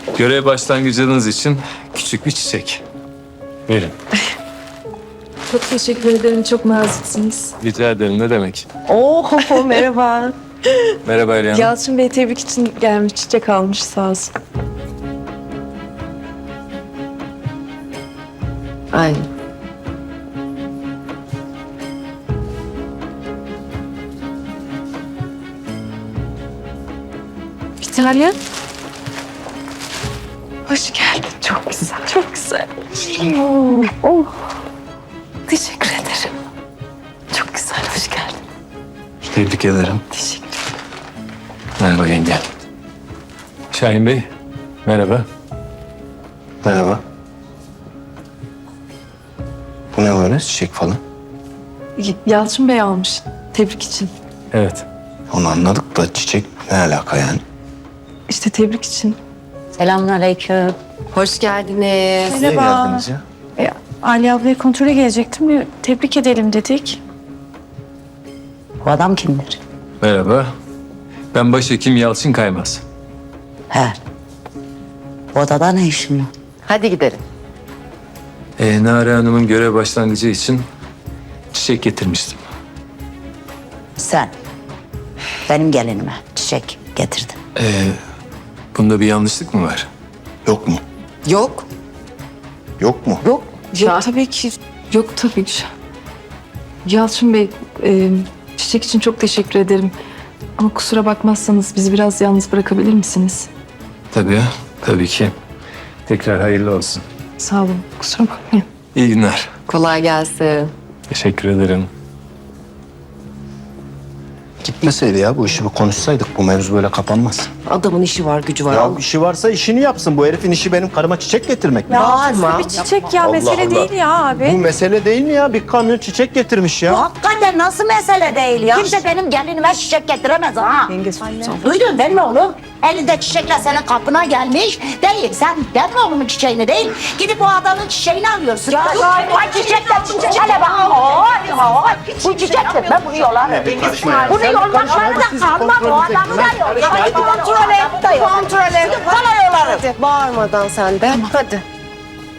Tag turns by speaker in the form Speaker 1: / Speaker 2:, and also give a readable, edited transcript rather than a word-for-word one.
Speaker 1: Görev başlangıcınız için küçük bir çiçek. Verin.
Speaker 2: Çok teşekkür ederim. Çok naziksiniz.
Speaker 1: Rica ederim, ne demek?
Speaker 2: Oo merhaba.
Speaker 1: Merhaba Elyan.
Speaker 2: Yalçın Bey tebrik için gelmiş. Çiçek almış sağ olsun. Aynen. İtalya. Hoş geldin. Çok güzel. Çok güzel. Oh. Teşekkür ederim. Çok güzel. Hoş geldin.
Speaker 1: Tebrik ederim.
Speaker 2: Teşekkür ederim.
Speaker 1: Merhaba yenge. Şahin Bey, merhaba.
Speaker 3: Merhaba. Bu ne böyle çiçek falan?
Speaker 2: Yalçın Bey almış. Tebrik için.
Speaker 1: Evet.
Speaker 3: Onu anladık da çiçek ne alaka yani?
Speaker 2: İşte tebrik için.
Speaker 4: Selamünaleyküm.
Speaker 5: Hoş geldiniz.
Speaker 3: Niye geldiniz ya?
Speaker 6: Ali ablaya kontrole gelecektim. Bir tebrik edelim dedik.
Speaker 4: Bu adam kimdir?
Speaker 1: Merhaba. Ben başhekim Yalçın Kaymaz.
Speaker 4: He. Bu odada ne işin var?
Speaker 5: Hadi gidelim.
Speaker 1: Nare Hanım'ın görev başlangıcı için çiçek getirmiştim.
Speaker 4: Sen benim gelinime çiçek getirdin.
Speaker 1: Bunda bir yanlışlık mı var?
Speaker 3: Yok mu?
Speaker 5: Yok.
Speaker 3: Yok mu?
Speaker 4: Yok.
Speaker 2: Yok tabii ki. Yok tabii ki. Yalçın Bey, çiçek için çok teşekkür ederim. Ama kusura bakmazsanız bizi biraz yalnız bırakabilir misiniz?
Speaker 1: Tabii, tabii ki. Tekrar hayırlı olsun.
Speaker 2: Sağ olun. Kusura bakmayın.
Speaker 1: İyi günler.
Speaker 5: Kolay gelsin.
Speaker 1: Teşekkür ederim.
Speaker 3: Gitmeseydi ya bu işi bir konuşsaydık bu mevzu böyle kapanmaz.
Speaker 5: Adamın işi var, gücü var.
Speaker 3: Ya işi varsa işini yapsın. Bu herifin işi benim karıma çiçek getirmek mi?
Speaker 6: Aslı bir çiçek ya.
Speaker 3: Allah
Speaker 6: Mesele
Speaker 3: Allah.
Speaker 6: değil ya
Speaker 3: Bu
Speaker 6: abi.
Speaker 3: mesele değil mi ya? Bir kamyon çiçek getirmiş ya.
Speaker 4: Hakikaten nasıl mesele değil ya? Kimse benim gelinime çiçek getiremez ha. Duydun değil mi oğlum? Elinde çiçekle senin kapına gelmiş. Değil sen benim oğlumun çiçeğini değil. Gidip o adamın çiçeğini alıyorsun. Ay çiçekler çiçek. Hele bak. Ay. Bu çiçektir. Ben bunu yolarım. Bunu yolmakları da kalmam. O adamı da yolarım. Kontrol et. Kontrol et. Bana yolarım.
Speaker 5: Bağırmadan sen de. Hadi.